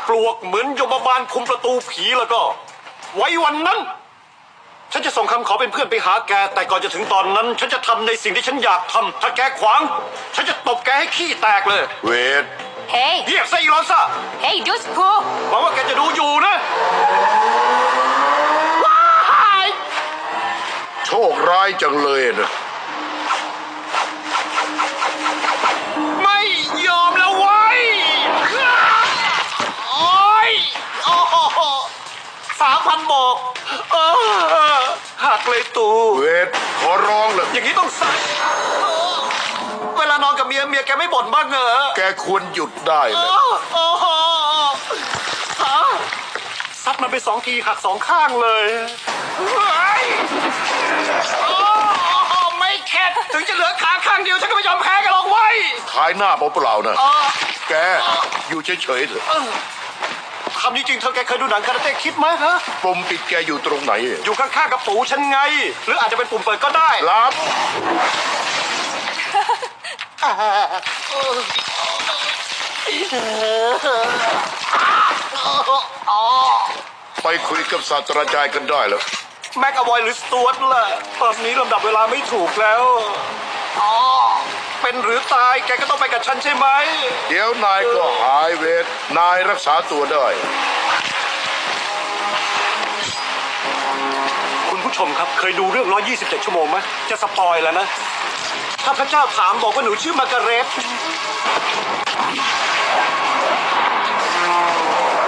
ปลวกเหมือนยมบาลคุมประตูผีแล้วก็ ไว้วันนั้น ฉันจะส่งคำขอเป็นเพื่อนไปหาแก แต่ก่อนจะถึงตอนนั้น ฉันจะทำในสิ่งที่ฉันอยากทำถ้าแกขวาง ฉันจะตบแกให้ขี้แตกเลยเวท Hey, เรียกซะอีลอนซ่า hey, dude, cool. หวังว่าแกจะดูอยู่นะโชคร้ายจังเลยนะไม่ยอมแล้วไว้ยโอ้ยโอ้โห3,000บอกหักเลยตูเวทขอร้องเลยอย่างนี้ต้องใส่เวลานอนกับเมียแกไม่บ่นบ้างเหรอแกควรหยุดได้เลยโอ้โหซัดมันไป2 ทีหัก2 ข้างเลยเฮ้ยโอ้โหไม่เข็ดถึงจะเหลือขาข้างเดียวฉันก็ไม่ยอมแพ้กันหรอกเว้ยขายหน้าเปล่าๆนะ แกอยู่เฉยๆเถอะคำนี้จริงเธอแกเคยดูหนังคาราเต้คิดไหมฮะปุ่มปิดแกอยู่ตรงไหนอยู่ข้างๆกับปู่ฉันไง หรืออาจจะเป็นปุ่มเปิดก็ได้รับ ไปคุยกับศาสตราจารย์กันได้แล้วแม็กอวอยหรือสตูดล่ะตอนนี้ลำดับเวลาไม่ถูกแล้วอ๋อเป็นหรือตายแกก็ต้องไปกับฉันใช่ไหมเดี๋ยวนายก็หายเวท นายรักษาตัวได้คุณผู้ชมครับเคยดูเรื่อง127 ชั่วโมงไหมจะสปอยแล้วนะ ถ้าพระเจ้าถามบอกว่าหนูชื่อมาร์กาเร็ต